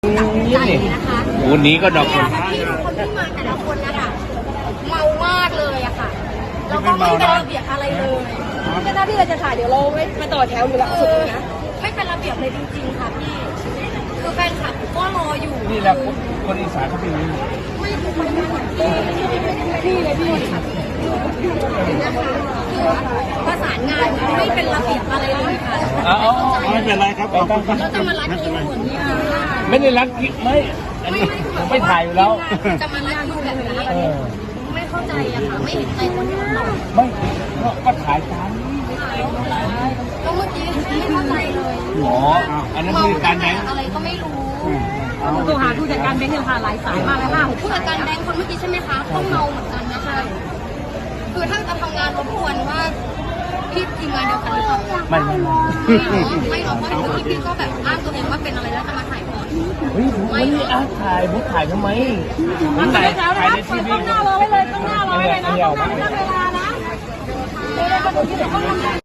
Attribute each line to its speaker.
Speaker 1: นะคะ
Speaker 2: วันนี้ก็ดอก
Speaker 1: เนี่ยค่ะพี่คนที่มาแต่ละคนนะคะเมามากเลยอะค่ะแล้วก็ไม่เป็นระเบียบอะไรเลยก็หน้าที่เราจะถ่ายเดี๋ยวเราไม่มาต่อแถวอยู่หลังสุดนะไม่เป็นระเบียบเลยจริงๆค่ะพี่คือแฟนคลับก็รออยู่
Speaker 2: นี่แหละคนอีสานเขาเป็นอย่างนี้
Speaker 1: ไม่ถูกพี่เลยพี่นะคะคือประสานงานไม่เป็นระเบียบอะไรเลยค่ะ
Speaker 2: ไม่เป็นไรครับ
Speaker 1: เราจะมารัดคิวเหมือนนี้ค่ะ
Speaker 2: ไม่ได้รักไม่อันนี้ผมไม่ถ่ายอยู่แล้ว
Speaker 1: จะมารัดคิวแบบนี้ไม่เข้าใจอะค่ะไม่เห็นใจคนที่เรา
Speaker 2: ไม่ก็ถ่ายตาม
Speaker 1: ก็เมื่อกี้ไม่เข้าใจเลย
Speaker 2: หมออันนั้นคือการแบงค์
Speaker 1: อะไรก็ไม่รู้
Speaker 3: โทรหาผู้จัดการแบงค์เนี่ยค่ะหลายสายมากเลยค่ะ
Speaker 1: ผู้จัดการแบงค์คนเมื่อกี้ใช่ไหมคะต้องเมาเหมือนกันนะคะคือท่านจะทำงานรบกวนว่าพี่ทีมงานเดียวกันหรือเปล่า
Speaker 2: ไม่
Speaker 1: ไม่หรอกเพราะพี่ก็แบบอ้างตัวเองว่าเป็นอะไรแล้วจะมาถ่ายก่อน
Speaker 2: เฮ้ยผมไม่ได้ถ่ายผมถ่ายทำไมผมถ่ายในทีวี
Speaker 3: ต้องหน้ารอไว้เลยต้องหน้ารอไว้เลยนะต้องหน้าเวลานะเดี๋ยวก็ดูที่เดี๋ยวต้องทำ